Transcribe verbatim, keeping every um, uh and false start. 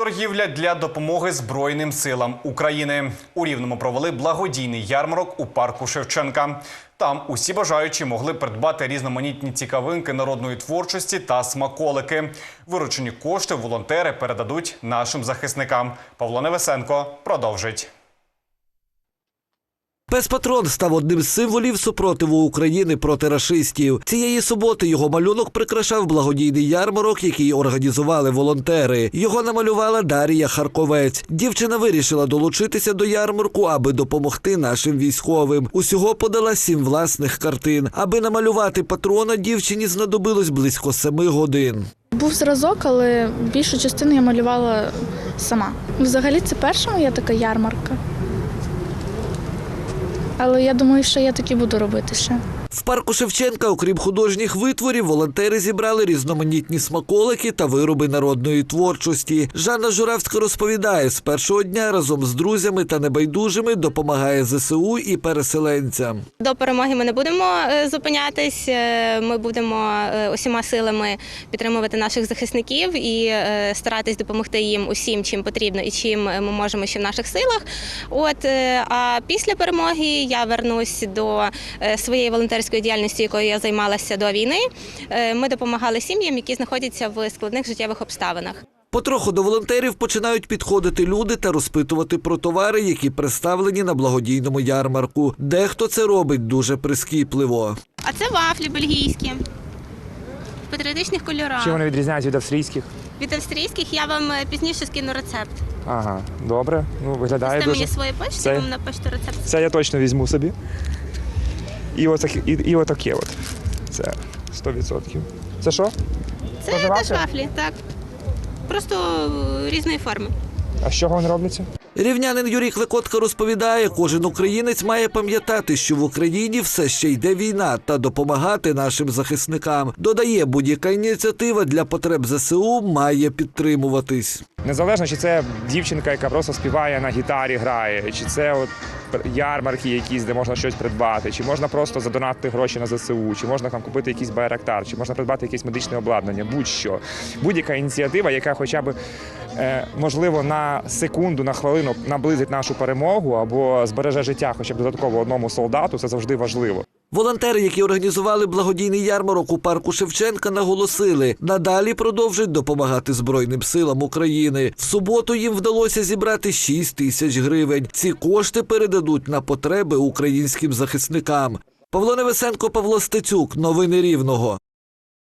Торгівля для допомоги Збройним силам України. У Рівному провели благодійний ярмарок у парку Шевченка. Там усі бажаючі могли придбати різноманітні цікавинки народної творчості та смаколики. Виручені кошти волонтери передадуть нашим захисникам. Павло Невесенко продовжить. Пес-патрон став одним з символів супротиву України проти рашистів. Цієї суботи його малюнок прикрашав благодійний ярмарок, який організували волонтери. Його намалювала Дар'я Харковець. Дівчина вирішила долучитися до ярмарку, аби допомогти нашим військовим. Усього подала сім власних картин. Аби намалювати патрона, дівчині знадобилось близько семи годин. Був зразок, але більшу частину я малювала сама. Взагалі це перша моя така ярмарка. Але я думаю, що я таки буду робити ще. В парку Шевченка, окрім художніх витворів, волонтери зібрали різноманітні смаколики та вироби народної творчості. Жанна Журавська розповідає, з першого дня разом з друзями та небайдужими допомагає зе се у і переселенцям. До перемоги ми не будемо зупинятись, ми будемо усіма силами підтримувати наших захисників і старатись допомогти їм усім, чим потрібно і чим ми можемо ще в наших силах. От, а після перемоги я вернусь до своєї волонтерської діяльності, якою я займалася до війни. Ми допомагали сім'ям, які знаходяться в складних життєвих обставинах. Потроху до волонтерів починають підходити люди та розпитувати про товари, які представлені на благодійному ярмарку. Дехто це робить дуже прискіпливо. А це вафлі бельгійські, в патріотичних кольорах. Чи вони відрізняються від австрійських? Від австрійських я вам пізніше скину рецепт. Ага, добре. Ну, виглядає Дасте дуже. мені свої почти, Це... я вам напишу рецепт. Це я точно візьму собі. І, отак, і, і отаке от. Це сто відсотків. Це що? Це Тоже теж вафлі? вафлі, так. Просто різної форми. А з чого вони робляться? Рівнянин Юрій Клекотка розповідає, кожен українець має пам'ятати, що в Україні все ще йде війна та допомагати нашим захисникам. Додає, будь-яка ініціатива для потреб зе се у має підтримуватись. Незалежно, чи це дівчинка, яка просто співає на гітарі, грає, чи це от ярмарки якісь, де можна щось придбати, чи можна просто задонатити гроші на зе се у, чи можна там купити якийсь байрактар, чи можна придбати якесь медичне обладнання, будь-що. Будь-яка ініціатива, яка хоча б, е, можливо, на секунду, на хвилину наблизить нашу перемогу або збереже життя хоча б додатково одному солдату, це завжди важливо. Волонтери, які організували благодійний ярмарок у парку Шевченка, наголосили, надалі продовжують допомагати Збройним силам України. В суботу їм вдалося зібрати шість тисяч гривень. Ці кошти передадуть на потреби українським захисникам. Павло Невесенко, Павло Стецюк. Новини Рівного.